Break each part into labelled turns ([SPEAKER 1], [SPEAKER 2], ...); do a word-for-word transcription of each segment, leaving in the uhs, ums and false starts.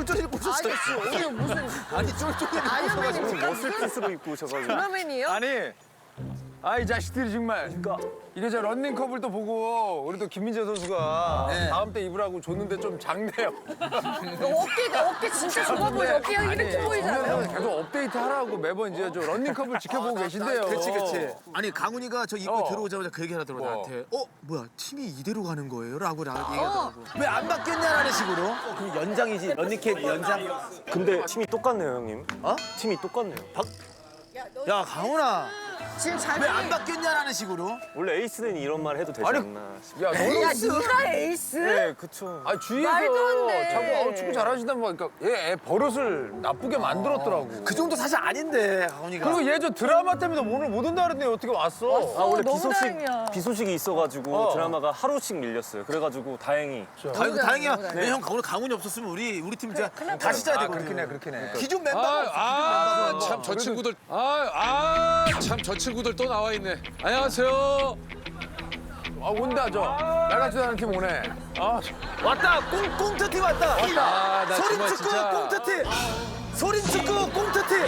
[SPEAKER 1] 쫄쫄이 입고 오셨어요.
[SPEAKER 2] 이게 무슨
[SPEAKER 1] 아니 쫄쫄이 입고
[SPEAKER 2] 아이언맨이
[SPEAKER 1] 오셔가지고
[SPEAKER 2] 지금
[SPEAKER 3] 머슬핏으로 입고 오셔가지고.
[SPEAKER 2] 드라맨이에요?
[SPEAKER 4] 아니, 아이 자식들이 정말.
[SPEAKER 1] 그러니까.
[SPEAKER 4] 이게 저 런닝컵을 또 보고 우리 또 김민재 선수가
[SPEAKER 1] 네.
[SPEAKER 4] 다음 때 입으라고 줬는데 좀 작네요.
[SPEAKER 2] 어깨가 어깨 진짜 좁아 보여. 어깨가 이렇게
[SPEAKER 4] 김민재
[SPEAKER 2] 보이잖아요.
[SPEAKER 4] 선수 계속 업데이트 하라고 매번 이제 저 런닝컵을 지켜보고 계신데요.
[SPEAKER 1] 그렇지 그렇지. 아니 강훈이가 저 입구
[SPEAKER 4] 어.
[SPEAKER 1] 들어오자마자 그 얘기 하더라고
[SPEAKER 4] 뭐.
[SPEAKER 1] 나한테. 어 뭐야 팀이 이대로 가는 거예요? 라고 나
[SPEAKER 2] 어.
[SPEAKER 1] 얘기하더라고. 왜 안 바뀌었냐라는 식으로.
[SPEAKER 3] 그럼 연장이지. 런닝캡 연장. 근데 팀이 똑같네요, 형님.
[SPEAKER 1] 어?
[SPEAKER 3] 팀이 똑같네요. 박...
[SPEAKER 1] 야 강훈아
[SPEAKER 2] 지금 잘.
[SPEAKER 1] 왜 안 바뀌었냐라는 식으로.
[SPEAKER 3] 원래 에이스는 이런 말 해도 되지
[SPEAKER 4] 아니,
[SPEAKER 3] 않나.
[SPEAKER 4] 야, 너는
[SPEAKER 2] 야, 네가 에이스?
[SPEAKER 3] 네, 그쵸.
[SPEAKER 4] 아 주위에서
[SPEAKER 2] 말도 안 돼.
[SPEAKER 4] 자꾸 어, 축구 잘하신다는 거 그러니까 얘 애 버릇을 나쁘게 만들었더라고.
[SPEAKER 1] 그 정도 사실 아닌데 강훈이가.
[SPEAKER 4] 그리고 얘 저 드라마 때문에 오늘 못 온다 그랬는데 어떻게 왔어?
[SPEAKER 3] 아, 원래
[SPEAKER 2] 너무
[SPEAKER 3] 비소식,
[SPEAKER 2] 다행이야.
[SPEAKER 3] 비소식이 있어가지고
[SPEAKER 4] 어.
[SPEAKER 3] 드라마가 하루씩 밀렸어요. 그래가지고 다행히.
[SPEAKER 1] 다행, 다행이야.
[SPEAKER 2] 너무 다행이야.
[SPEAKER 1] 왜 형 오늘 강훈이 없었으면 우리 우리 팀 진짜
[SPEAKER 2] 큰일 날
[SPEAKER 1] 다시 짜야
[SPEAKER 4] 아
[SPEAKER 1] 되거든.
[SPEAKER 4] 그렇긴 해 그렇긴 해.
[SPEAKER 1] 기존 멤버가 없어.
[SPEAKER 5] 아, 참 저 친구들. 아, 아, 참 저 친구들 또 나와 있네. 안녕하세요.
[SPEAKER 4] 아 온다 저 나같지도 않은 팀 오네. 아
[SPEAKER 1] 왔다. 꽁 꽁트팀 왔다.
[SPEAKER 5] 아, 나
[SPEAKER 1] 소린
[SPEAKER 5] 정말
[SPEAKER 1] 축구
[SPEAKER 5] 진짜.
[SPEAKER 1] 꽁트팀. 소린 축구 꽁트팀.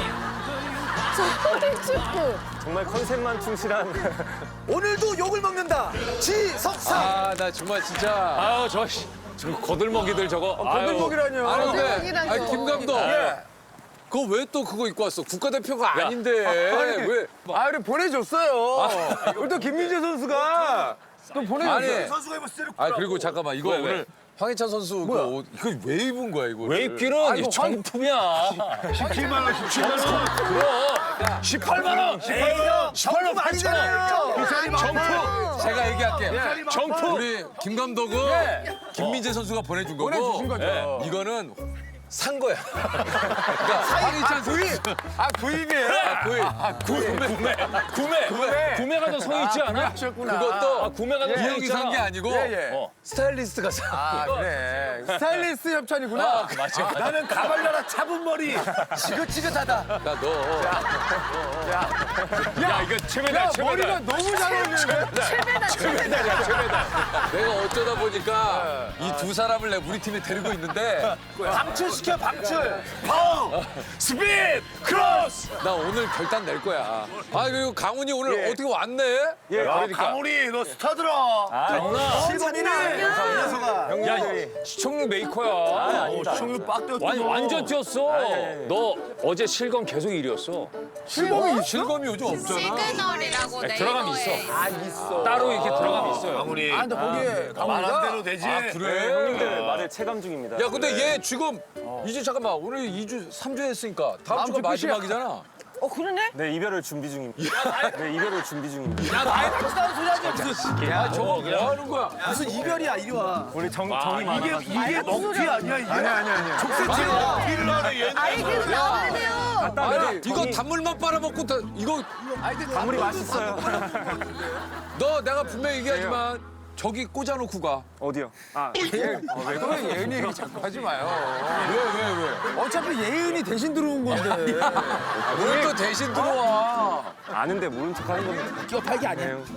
[SPEAKER 2] 소리 축구.
[SPEAKER 3] 정말 컨셉만 충실한.
[SPEAKER 1] 오늘도 욕을 먹는다. 지석상.
[SPEAKER 5] 아, 나 정말 진짜. 아유, 저, 씨, 저 거들먹이들 저거.
[SPEAKER 4] 거들먹이라뇨.
[SPEAKER 5] 아유. 아니, 근데,
[SPEAKER 2] 거들먹이라뇨.
[SPEAKER 5] 아니, 김 감독.
[SPEAKER 4] 예.
[SPEAKER 5] 그거 왜 또 그거 입고 왔어? 국가대표가 아닌데. 왜?
[SPEAKER 4] 아 우리 보내줬어요. 우리 또 김민재 선수가 또 보내줬어요.
[SPEAKER 5] 아니.
[SPEAKER 1] 선수가 입었을 때.
[SPEAKER 5] 아, 그리고 잠깐만. 이거
[SPEAKER 3] 왜,
[SPEAKER 5] 오늘
[SPEAKER 3] 왜?
[SPEAKER 5] 황희찬 선수 그 옷, 이거 왜 입은 거야, 이거?
[SPEAKER 3] 왜 입기는
[SPEAKER 4] 아이고,
[SPEAKER 3] 정품이야.
[SPEAKER 1] 십칠만 원, 십칠만 원.
[SPEAKER 3] 그럼. 십팔만 원.
[SPEAKER 1] 십팔만 원 아니잖아요.
[SPEAKER 5] 정품! 제가 얘기할게요.
[SPEAKER 1] 정품.
[SPEAKER 5] 우리 김 감독은 김민재 선수가 보내준 거고
[SPEAKER 4] 보내주신 거죠.
[SPEAKER 5] 예, 이거는 산 거야. 그러니까 황희찬 선수.
[SPEAKER 4] 아 구입이에요.
[SPEAKER 5] 아, 구입. 아, 구매. 구매. 구매. 구매.
[SPEAKER 3] 구매가 더 성의 있지 않아?
[SPEAKER 4] 하셨구나.
[SPEAKER 5] 그것도
[SPEAKER 3] 아, 구매가 더
[SPEAKER 5] 이
[SPEAKER 3] 성의
[SPEAKER 5] 형이
[SPEAKER 3] 있잖아.
[SPEAKER 5] 산 게 아니고
[SPEAKER 4] 예, 예.
[SPEAKER 5] 어, 스타일리스트가 사.
[SPEAKER 4] 아 그래. 스타일리스트 협찬이구나.
[SPEAKER 5] 아, 맞아, 맞아.
[SPEAKER 1] 나는 가발려라 차분 머리. 지긋지긋하다.
[SPEAKER 5] 야, 너.
[SPEAKER 3] 야, 이거 최배다,
[SPEAKER 4] 야
[SPEAKER 3] 최배다.
[SPEAKER 4] 머리가 너무 잘 어울리는데.
[SPEAKER 2] 최배다 최배다.
[SPEAKER 5] 내가 어쩌다 보니까 이 두 사람을 내 우리 팀에 데리고 있는데
[SPEAKER 1] 방출시켜 방출. 파워. 스피드. 크로스.
[SPEAKER 5] 나 오늘 결단 낼 거야. 아, 그리고 강훈이 오늘
[SPEAKER 3] 예.
[SPEAKER 5] 어떻게 왔네?
[SPEAKER 3] 예,
[SPEAKER 1] 강훈이 너 스타더라.
[SPEAKER 3] 아, 영나.
[SPEAKER 1] 실버이네. 녀석아.
[SPEAKER 3] 형님, 야, 시청률 메이커야. 아, 아니다.
[SPEAKER 1] 시청률 빡 뛰었어.
[SPEAKER 3] 완, 완전 뛰었어. 너 어제 실검 계속 일 위였어.
[SPEAKER 5] 실검이 실검이 요즘 없잖아.
[SPEAKER 6] 시그널이라고
[SPEAKER 3] 네, 들어감이
[SPEAKER 6] 네이버에
[SPEAKER 3] 있어.
[SPEAKER 4] 아 있어.
[SPEAKER 3] 따로 이렇게 들어감이 있어요.
[SPEAKER 1] 강훈이.
[SPEAKER 4] 아 근데 거기에 강훈이가
[SPEAKER 1] 되지.
[SPEAKER 5] 아, 그래?
[SPEAKER 3] 형님들 말에 체감 중입니다.
[SPEAKER 5] 야, 근데 얘 지금 이제 잠깐만 오늘 이 주, 삼 주 했으니까 다음 주가
[SPEAKER 4] 주 끝이야.
[SPEAKER 5] 마지막이잖아.
[SPEAKER 2] 어 그러네?
[SPEAKER 3] 네, 이별을 준비 중입니다. 네, 이별을 준비 중입니다.
[SPEAKER 1] 야 나이 같지도 소리 하지 무슨.
[SPEAKER 5] 야, 저거 뭐 하는 거야?
[SPEAKER 1] 무슨 이별이야 이리 와.
[SPEAKER 3] 우리 정, 정이 많아.
[SPEAKER 1] 이게 먹튀 아니야 이게.
[SPEAKER 4] 아니 아니 아니.
[SPEAKER 1] 족쇄티야. 일을 하네 얘는.
[SPEAKER 2] 아이디로 나와야 돼요.
[SPEAKER 5] 아니, 이거 단물만 빨아먹고 다, 이거
[SPEAKER 3] 아무리 맛있어요.
[SPEAKER 5] 너 내가 분명히 얘기하지만 저기 꽂아놓고 가.
[SPEAKER 3] 어디요? 아,
[SPEAKER 4] 왜 그래 예은이 얘기 자꾸 하지 마요.
[SPEAKER 5] 왜, 왜, 왜?
[SPEAKER 4] 어차피 예은이 대신 들어온 건데.
[SPEAKER 5] 뭘 또 대신 들어와.
[SPEAKER 3] 아는데 모른 척 하는 겁니다.
[SPEAKER 1] 끼어 팔기 아니야.